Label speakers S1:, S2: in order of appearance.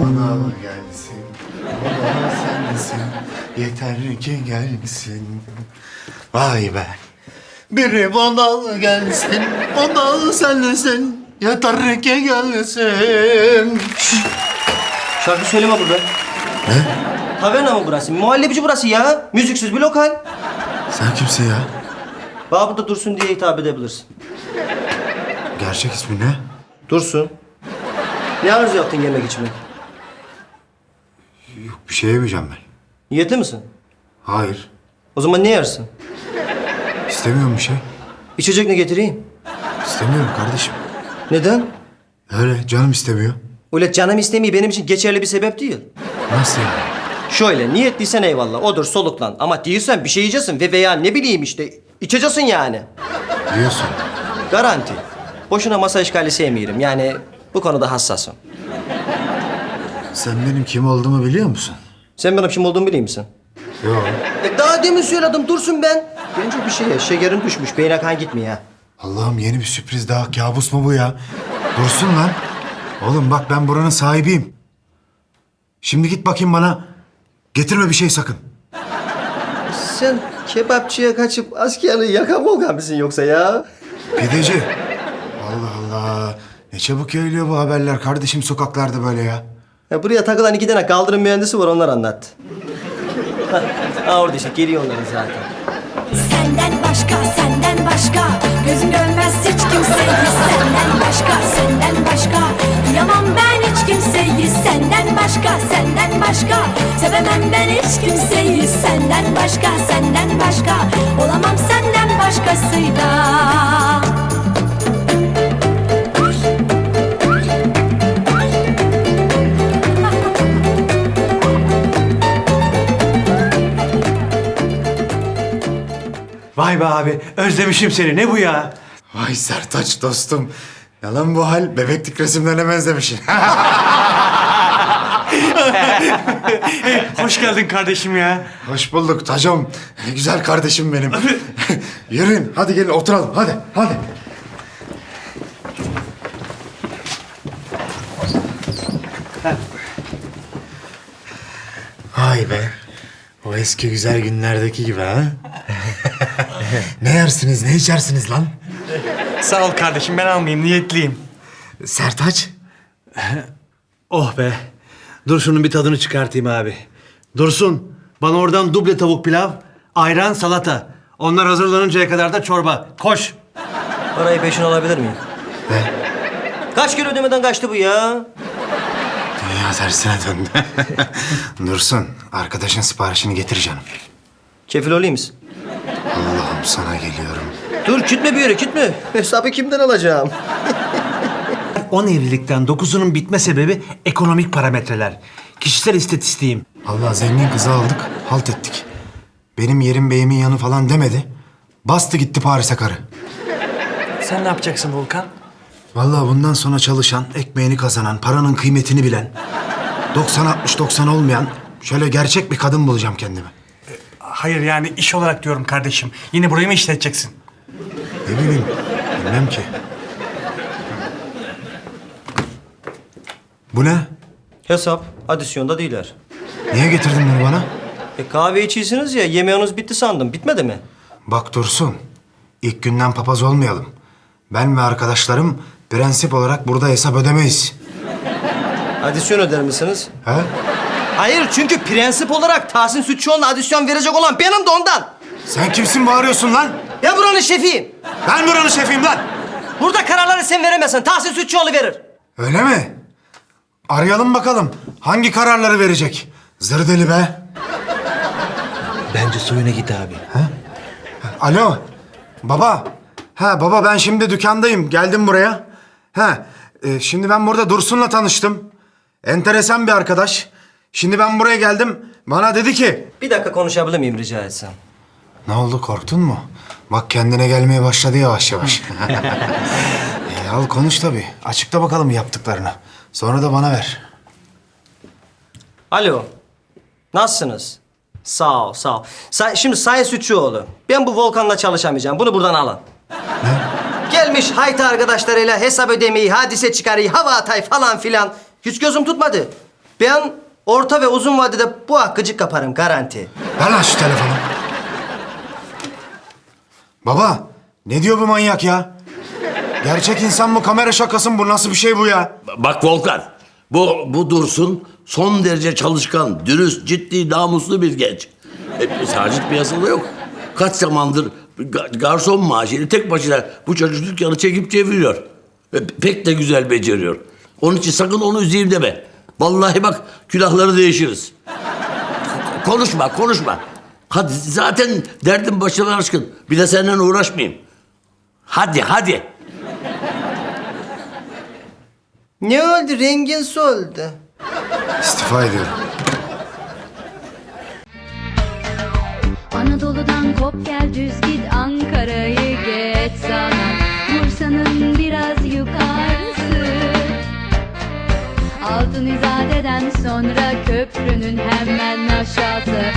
S1: bana gelsin. Bana sensin. Yeter ki gelsin. Vay be. Biri bana gelsin. Bana sensin. Yeter ki gelsin.
S2: Şarkı söyleme burada.
S1: Ne?
S2: Taverna mı burası? Muhallebici burası ya. Müziksiz bir lokal.
S1: Sen kimsin ya?
S2: Bana burada Dursun diye hitap edebilirsin.
S1: Gerçek ismi ne?
S2: Dursun. Ne arzu yaptın yemek içmek?
S1: Yok, bir şey yemeyeceğim ben.
S2: Niyetli misin?
S1: Hayır.
S2: O zaman ne yersin?
S1: İstemiyorum bir şey.
S2: İçecek ne getireyim?
S1: İstemiyorum kardeşim.
S2: Neden?
S1: Öyle canım istemiyor.
S2: Öyle canım istemiyor benim için geçerli bir sebep değil.
S1: Nasıl yani?
S2: Şöyle niyetliysen eyvallah odur soluklan. Ama değilsen bir şey yiyeceksin ve veya ne bileyim işte içeceksin yani.
S1: Diyorsun.
S2: Garanti. Boşuna masa işgali sevmiyorum. Yani bu konuda hassasım.
S1: Sen benim kim olduğumu biliyor musun?
S2: Sen benim kim olduğumu biliyor musun?
S1: Yok.
S2: Daha demin söyledim Dursun ben. Bence bir şeye şekerin düşmüş. Beyne kan gitmiyor ha.
S1: Allah'ım yeni bir sürpriz daha. Kabus mu bu ya? Dursun lan. Oğlum bak ben buranın sahibiyim. Şimdi git bakayım bana. Getirme bir şey sakın.
S2: Sen kebapçıya kaçıp askerliği yakan volkan mısın yoksa ya?
S1: Pideci. Allah Allah. Ne çabuk yayılıyor bu haberler kardeşim sokaklarda böyle ya.
S2: Ya buraya takılan 2 tane kaldırım mühendisi var onlar anlattı. Ha orada işte geliyor onların zaten.
S3: Senden başka, senden başka gözüm görmez hiç kimseyi. Senden başka, senden başka duyamam ben hiç kimseyi. Senden başka, senden başka sevemem ben hiç kimseyi. Senden başka, senden başka olamam senden başkasıyla.
S4: Vay be abi, özlemişim seni. Ne bu ya?
S1: Vay Sertaç dostum. Yalan bu hal. Bebeklik resimlerine benzemişsin.
S4: Hoş geldin kardeşim ya.
S1: Hoş bulduk Tacım. Güzel kardeşim benim. Yürüyün. Hadi gelin oturalım. Hadi. Hadi. Vay be. O eski güzel günlerdeki gibi ha? Ne yersiniz, ne içersiniz lan?
S4: Sağ ol kardeşim, ben almayayım, niyetliyim.
S1: Sertaç.
S5: Oh be. Dur şunun bir tadını çıkartayım abi. Dursun, bana oradan duble tavuk pilav, ayran, salata. Onlar hazırlanıncaya kadar da çorba. Koş.
S2: Parayı peşin alabilir miyim?
S1: Ne?
S2: Kaç kere ödemeden kaçtı bu ya?
S1: Dünya tersine döndü. Dursun, arkadaşın siparişini getir canım.
S2: Kefil olayım mısın?
S1: Allah'ım sana geliyorum.
S2: Dur gitme bir yere gitme. Hesabı kimden alacağım?
S5: 10 evlilikten 9'unun bitme sebebi ekonomik parametreler. Kişisel istatistiğim.
S1: Allah zengin kızı aldık, halt ettik. Benim yerim beyimin yanı falan demedi. Bastı gitti Paris'e karı.
S4: Sen ne yapacaksın Volkan?
S1: Vallahi bundan sonra çalışan, ekmeğini kazanan, paranın kıymetini bilen... 90-60-90 olmayan şöyle gerçek bir kadın bulacağım kendime.
S4: Hayır yani iş olarak diyorum kardeşim. Yine burayı mı işleteceksin?
S1: Ne bileyim, bilmem ki. Bu ne?
S2: Hesap adisyonda değiller.
S1: Niye getirdin bunu bana?
S2: Kahve içiyorsunuz ya yemeğiniz bitti sandım. Bitmedi mi?
S1: Bak Dursun, ilk günden papaz olmayalım. Ben ve arkadaşlarım prensip olarak burada hesap ödemeyiz.
S2: Adisyon öder misiniz?
S1: He?
S2: Hayır çünkü prensip olarak Tahsin Sütçüoğlu'na adisyon verecek olan benim de ondan.
S1: Sen kimsin bağırıyorsun lan?
S2: Ben buranın şefiyim.
S1: Ben buranın şefiyim lan.
S2: Burada kararları sen veremezsin. Tahsin Sütçüoğlu verir.
S1: Öyle mi? Arayalım bakalım. Hangi kararları verecek? Zır deli be.
S5: Bence suyuna git abi.
S1: Alo. Baba. Ha baba ben şimdi dükkandayım. Geldim buraya. Şimdi ben burada Dursun'la tanıştım. Enteresan bir arkadaş. Şimdi ben buraya geldim. Bana dedi ki...
S2: Bir dakika konuşabilir miyim rica etsem?
S1: Ne oldu korktun mu? Bak kendine gelmeye başladı yavaş yavaş. Al konuş tabii. Açıkla bakalım yaptıklarını. Sonra da bana ver.
S2: Alo. Nasılsınız? Sağ ol, sağ ol. Şimdi Sayın Sütçüoğlu, ben bu Volkan'la çalışamayacağım. Bunu buradan alın. Gelmiş hayta arkadaşlarıyla hesap ödemeyi, hadise çıkarıyı, hava atay falan filan. Hiç gözüm tutmadı. Ben orta ve uzun vadede bu hakkıcık kaparım garanti.
S1: Ver lan şu telefonu. Baba, ne diyor bu manyak ya? Gerçek insan mı, kamera şakası mı bu? Nasıl bir şey bu ya?
S6: Bak Volkan, bu Dursun son derece çalışkan, dürüst, ciddi, namuslu bir genç. Sacit piyasada yok. Kaç zamandır garson maaşıyla tek başına bu çocuk dükkanı çekip çeviriyor. Pek de güzel beceriyor. Onun için sakın onu üzeyim deme. Vallahi bak külahları değişiriz. Konuşma. Hadi zaten derdim başına aşkın. Bir de seninle uğraşmayayım. Hadi.
S2: Ne oldu? Rengin soldu.
S1: İstifa ediyorum.
S7: Anadolu'dan kop gel düz git Ankara'yı geç sana Bursa'nın biraz yukarısı Altın İzade'den sonra köprünün hemen aşağısı